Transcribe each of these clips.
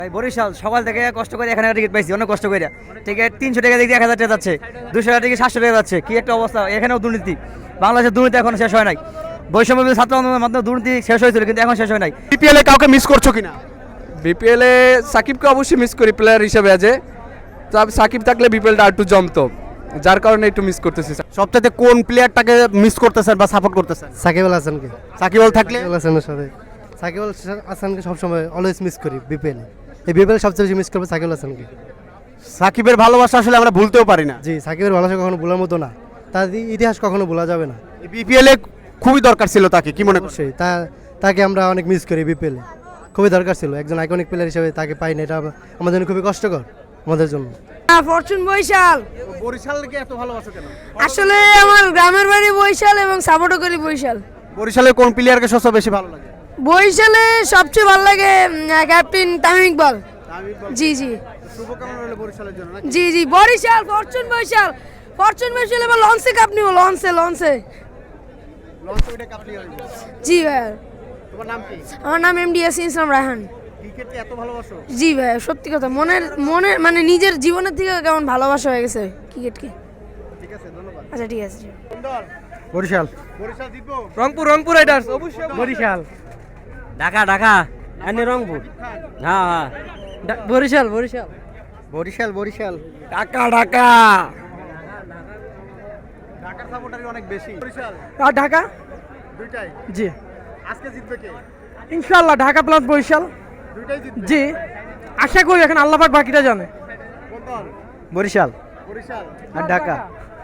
ভাই বরিশাল সকাল থেকে কষ্ট করে এখানে টিকিট পাইছি, অনেক কষ্ট করে। টিকিট 300 টাকা দিয়ে 1000 টাকা যাচ্ছে, 200 টাকা টিকিট 700 টাকা যাচ্ছে। কি একটা অবস্থা! এখানেও দুর্নীতি। বাংলাদেশের দুর্নীতি এখন শেষ হয় নাই। বৈষম্য ছাত্র আন্দোলনের মাধ্যমে দুর্নীতি শেষ হয়েছিল, কিন্তু এখন শেষ হয় নাই। বিপিএল এ কাউকে মিস করছো কিনা? বিপিএল এ সাকিবকে অবশ্যই মিস করি প্লেয়ার হিসেবে আছে। তবে সাকিব থাকলে বিপিএলটা একটু জমতো, যার কারণে একটু মিস করতেছি। সবচাইতে কোন প্লেয়ারটাকে মিস করতেছেন বা সাপোর্ট করতেছেন? সাকিব আল হাসানকে। সাকিব আল থাকলে সাকিব আল হাসানের সাথে সাকিব আল হাসানকে সবসময় অলওয়েজ মিস করি বিপিএল। এই বিপিএল সবচেয়ে বেশি মিস করবো সাকিব আল হাসানকে। সাকিবের ভালোবাসা আসলে আমরা ভুলতেও পারি না। জি, সাকিবের ভালোবাসা কখনো ভোলার মতো না, তার ইতিহাস কখনো ভোলা যাবে না। বিপিএল এ খুবই দরকার ছিল তাকে, কি মনে করছেন? অবশ্যই তাকে আমরা অনেক মিস করি বিপিএল। খুবই দরকার ছিল, একজন আইকনিক প্লেয়ার হিসেবে তাকে পাই না, এটা আমাদের জন্য খুবই কষ্টকর আমাদের জন্য। ফরচুন বরিশাল। বরিশালকে এত ভালোবাসো কেন? আসলে আমার গ্রামের বাড়ি বরিশাল এবং সাপোর্টও করি বরিশাল। বরিশালের কোন প্লেয়ারকে সবচেয়ে বেশি ভালো লাগে? বরিশালে সবচেয়ে ভালো লাগে ক্যাপ্টেন তামিম ইকবাল। জি জি শুভকামনা রইল বরিশালের জন্য। জি জি বরিশাল, ফরচুন বরিশাল। ফরচুন বরিশাল এবার লঞ্চে কাপ নিব, লঞ্চে। জি ভাই। তোমার নাম কি? আমার নাম এমডিএস ইসলাম রায়হান। ক্রিকেটকে এত ভালোবাসো? জি ভাই, সত্যি কথা, মনের মানে নিজের জীবনের থেকে কেমন ভালোবাসা হয়ে গেছে ক্রিকেটকে। ঠিক আছে, ধন্যবাদ। আচ্ছা ঠিক আছে। বরিশাল। বরিশাল জিতবো? রংপুর রাইডার্স অবশ্যই। বরিশাল। ঢাকা এনে রংপুর। হ্যাঁ বরিশাল। ঢাকা ঢাকার সাপোর্টারই অনেক বেশি। বরিশাল আর ঢাকা। দুইটাই? জি আজকে জিতবে কে? ইনশাআল্লাহ ঢাকা প্লাস বরিশাল। দুইটাই জিতবে? জি আশা করি, এখন আল্লাহ পাক বাকিটা জানে। কোন দল? বরিশাল বরিশাল আর ঢাকা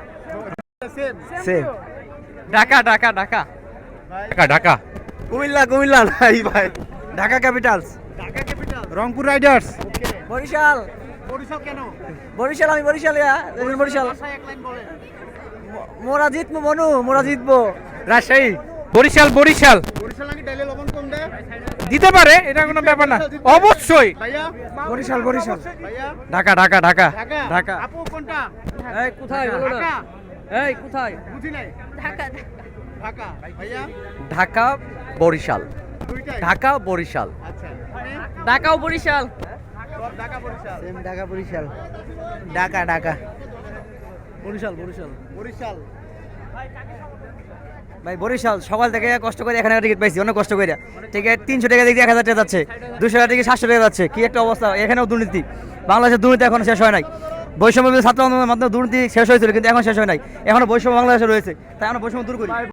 সেম। ঢাকা ঢাকা কুমিল্লা নাই ভাই। Dhaka Capitals. Dhaka capital. Rangpur Riders. Okay. Barishal কেন? আমি বরিশাল। ভাষায় এক লাইন বলেন। মোরা জিতবো। রাজশাহী। বরিশাল বরিশাল নাকি ডাইলে লবণ কম দেয়? দিতে পারে, এটা কোনো ব্যাপার না। অবশ্যই ভাইয়া? বরিশাল। ভাইয়া? ঢাকা ঢাকা। আপু কোনটা? এই কোথায় বলো না? ঢাকা। এই কোথায়? বুঝি নাই। ঢাকা। ভাইয়া? ঢাকা বরিশাল। দুইটাই? ঢাকা বরিশাল। আচ্ছা। তুমি? ঢাকাও বরিশাল। সব ঢাকা বরিশাল। সেম ঢাকা বরিশাল। বরিশাল। ভাই বরিশাল সকাল থেকে কষ্ট করে এখানে টিকিট পাইছি, অনেক কষ্ট করে। টিকিট 300 টাকা দিয়ে 1000 টাকা যাচ্ছে, 200 টাকা টিকিট 700 টাকা যাচ্ছে। কি একটা অবস্থা! এখানেও দুর্নীতি। বাংলাদেশের দুর্নীতি এখন শেষ হয় নাই। বৈষম্য ছাত্র আন্দোলনের মাধ্যমে দুর্নীতি শেষ হয়েছিল, কিন্তু এখন শেষ হয় নাই। এখনো বৈষম্য বাংলাদেশে রয়েছে, তাই আমরা বৈষম্য দূর করি।